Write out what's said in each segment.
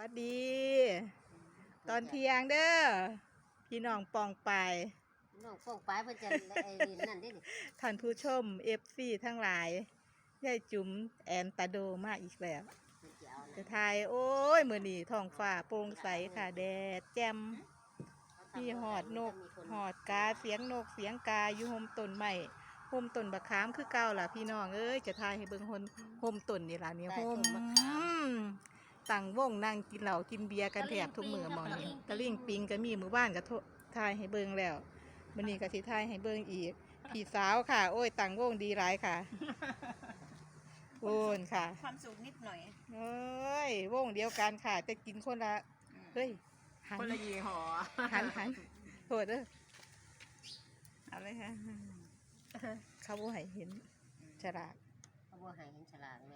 สดีตอนเที่ยงเด้อพี่น้องปองไปน้องฟงปลายเพิ่นจะไอ้นั่นเด้นี่ท่านผู้ชมFCทั้งหลายยายจุ๋มแอนตาโดมาอีกแล้วเพิ่นสิเอาจะนะทายโอ้ยมื้อนี้ท้องฟ้าโปร่งใสค่ะแดดแจ่มมีหอดนกหอดกาเสียงนกเสียงกาอยู่โฮมต้นไม้โฮมต้นบักขามคือเก่าล่ะพี่น้องเอ้ยจะทายให้เบิ่งโฮมต้นนี่ล่ะนี่โฮมตั้งวงนั่งกินเหล้ากินเบียร์กันแถบทุกมื้อหมองนี้ตะลิ่งปิงก็มีมื้อบ้านก็ทายให้เบิ่งแล้วมื้อนี้ก็สิทายให้เบิ่งอีกพี่สาวค่ะโอ้ยตั้งวงดีหลายค่ะโอนค่ะความสุขนิดหน่อยเอ้ยวงเดียวกันค่ะจะกินคนละเฮ้ยคนละยี่ห้อหันโทษเด้อเอาเลยค่ะเขาบ่ให้เห็นฉลากเขาบ่ให้เห็นฉลากแม่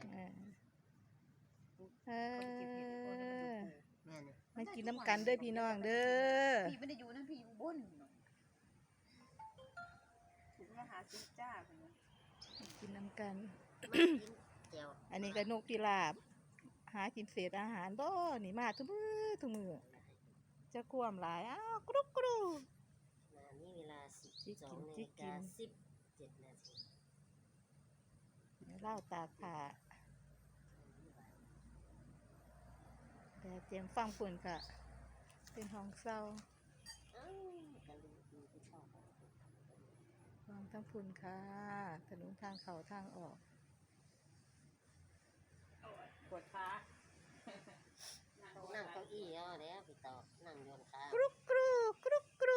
แม่นี่มากินน้ำกันเด้อพี่น้องเด้อพี่ไม่ได้อยู่นะพี่อยู่บนถึงมาหาซื้อจ้ากินน้ำกันเจียวอันนี้ก็นกพิราบหากินเศษอาหารบ่นี่มาทุกมือจะกวมหลายอ้าวกรุบนี่เวลา 12:17 นาทีเล่าตากผ้าแต่เตรียมฟังฝุ่นค่ะเป็นห้องเศร้าฟังทั้งฝุ่นค่ะถนนทางเขาทางออกปวดขานั่งเก้าอี้เอาแล้วพี่ต่อนั่งโยนขากรุกรู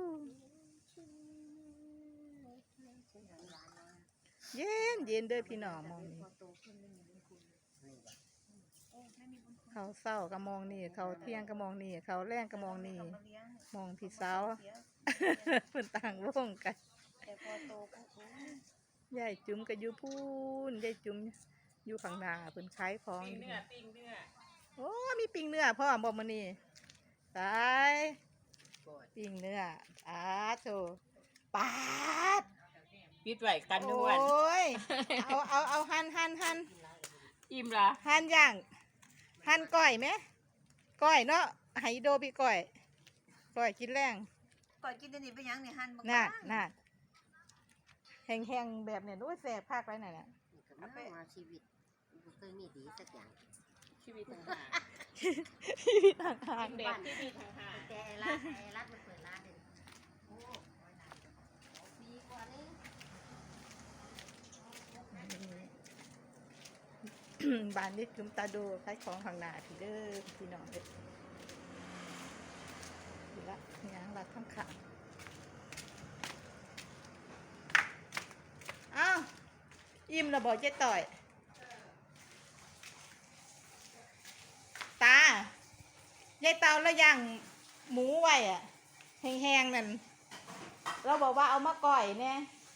เย็นเด้อพี่น้องมองนี่เขาเศร้าก็มองนี่เขาเที่ยงก็มองนี่เขาแรงก็มองนี่มองพี่สาวเพิ่นต่างวงกันยายจุ๋มก็อยู่พูนยายจุ๋มอยู่ข้างหน้าเพิ่นขายของปิ้งเนื้อโอ้มีปิ้งเนื้อพ่อบอกมานี่ตายปิ้งเนื้อโถปาดปิดไว้กันทุกวันโอ้ยเอาหั่นอิ่มละหั่นย่างหั่นก้อยไหมก้อยเนาะไฮโดพี่ก้อยกินแรงก่อยกินอันนี้ไปยังเนี่ยหั่นบางน่ะแห้งๆแบบเนี่ยด้วยแสบภาคไรไหนน่ะมาชีวิตเคยมีดีสักอย่างชีวิตต่างหากเด็กชีวิตต่างหากแต่รัฐมันเปิดร้านเลยโอ้ดีกว่านี้บ้านนี้จุ่มตาดูขายของข้างหน้าพี่เด้อพี่น้องเด็กดีละงานรัดทั้งขาอ้าวอิ่มระบอกเจ๊ต่อยตายายเตาแล้วย่างหมูไว้อะแห้งๆนั่นเราบอกว่าเอามาก่อยเนี่ย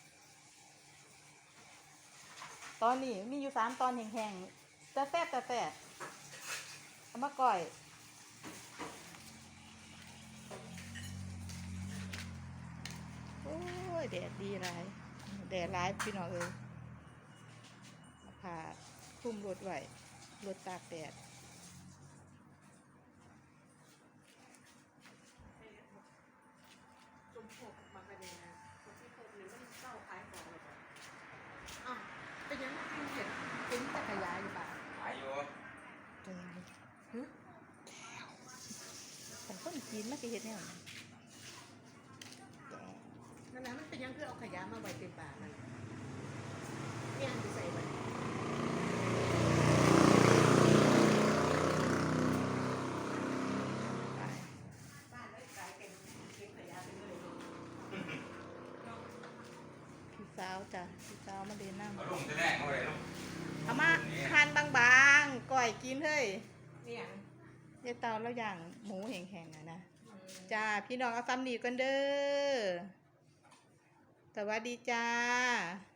ตอนนี้มีอยู่3 ตอนแห้งๆแต่แซ่บเอามาก่อยโอ้ยแดดดีไรแดดร้ายพี่น้องผ่าคุ้มรถไว้รถตากแดดเป็นยังไงเป็นจักรยานอยู่ป่ะขายอยู่จักรยานแต่คนจีนไม่เคยเห็นแน่นั่นแหละมันเป็นยังคือเอาขยะมาไว้เต็มป่านั่นเนี่ยจะใส่ไว้พี่สาวจ้ะพี่สาวมาเดินนั่งเอาลงจะแรกเอาไว้ลงเอามาหั่นบางๆก่อยกินเฮ้ยเนี่ยยายเตาแล้วอย่างหมูแห้งๆนะจ้าพี่น้องเอาซ้ำนีกันเด้อสวัสดีจ้า